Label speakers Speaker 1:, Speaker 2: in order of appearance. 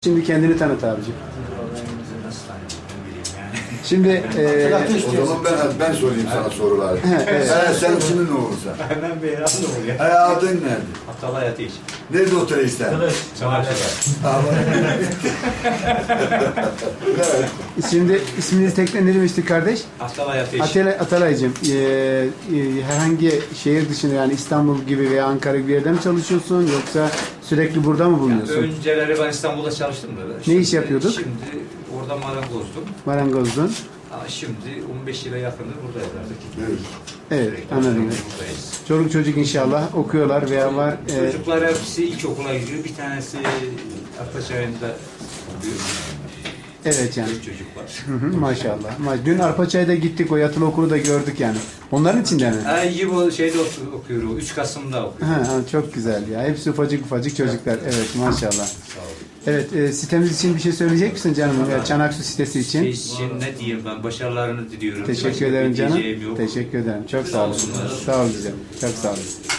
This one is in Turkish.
Speaker 1: Şimdi kendini tanıt abicim. Şimdi
Speaker 2: O zaman ben sorayım sana soruları.
Speaker 1: evet.
Speaker 2: Sen kimin oğlusun?
Speaker 3: Ben Beyran oluyor.
Speaker 2: Adın nerede?
Speaker 3: Atalay Ateş.
Speaker 2: Nerede oturuyorsun sen?
Speaker 1: Şimdi isminizi tekrar demiştik kardeş?
Speaker 3: Atalay Ateş.
Speaker 1: Atalay'cığım, herhangi şehir dışında yani İstanbul gibi veya Ankara gibi bir yerde mi çalışıyorsun yoksa sürekli burada mı bulunuyorsun?
Speaker 3: Önceleri ben İstanbul'da çalıştım da.
Speaker 1: Ne iş yapıyorduk?
Speaker 3: Şimdi orada marangozdum.
Speaker 1: Marangozdun.
Speaker 3: Ama şimdi 15 yıla yakındır buradayız artık.
Speaker 2: Evet.
Speaker 1: Evet,
Speaker 3: Sürekli
Speaker 1: anladım.
Speaker 3: buradayız.
Speaker 1: Çoluk çocuk inşallah okuyorlar veya var.
Speaker 3: Çocuklar hepsi ilkokula gidiyor. Bir tanesi Ataçay'ında okuyor.
Speaker 1: Evet yani.
Speaker 3: Çocuk var.
Speaker 1: Hı hı, maşallah. Dün Arpaçay'da gittik, o yatılı okulu da gördük yani. Onların içinde mi?
Speaker 3: Yibo şeyde okuyor. 3 Kasım'da okuyor.
Speaker 1: Ha, çok güzel ya. Hepsi ufacık ufacık çocuklar. Evet, maşallah.
Speaker 3: Sağ olun.
Speaker 1: Evet, sitemiz için bir şey söyleyecek misin canım? Çanaksu sitesi için.
Speaker 3: Şey için ne diyeyim ben? Başarılarını diliyorum.
Speaker 1: Teşekkür
Speaker 3: Başka
Speaker 1: ederim
Speaker 3: bir
Speaker 1: canım.
Speaker 3: diyeceğim yok.
Speaker 1: Teşekkür ederim. Çok sağ olun.
Speaker 3: olsunlar.
Speaker 1: Sağ olun canım. Çok sağ olun.